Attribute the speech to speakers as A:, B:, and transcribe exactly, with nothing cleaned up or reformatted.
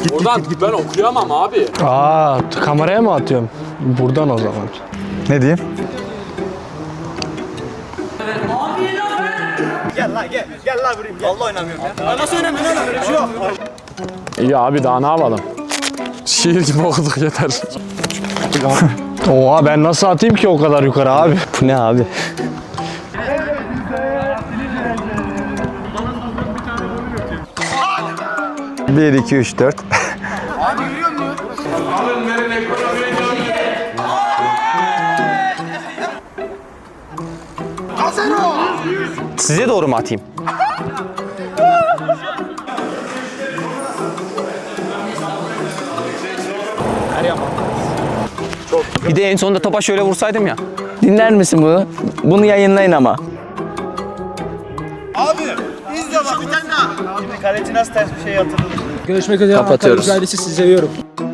A: Buradan ben okuyamam abi.
B: Aa, kameraya mı atıyorum? Buradan o zaman.
C: Ne diyeyim?
D: Gel lan gel. Gel lan vurayım. Gel. Vallahi oynamıyorum ya. Nasıl oynamıyorsun lan? Öyle bir şey yok.
A: İyi abi daha ne yapalım? Şiir gibi okuduk yeter.
B: Oha, ben nasıl atayım ki o kadar yukarı abi?
C: Bu ne abi? Bir, iki, üç, dört.
E: Size doğru mu atayım? Bir de en sonunda topa şöyle vursaydım ya.
F: Dinler misin bunu? Bunu yayınlayın ama.
D: Abi izle bak bir tane daha. Şimdi kaleci nasıl ters bir şey yatırdı.
G: Görüşmek üzere.
F: Kapatıyoruz.
G: Ankara Güzelliği, sizi seviyorum.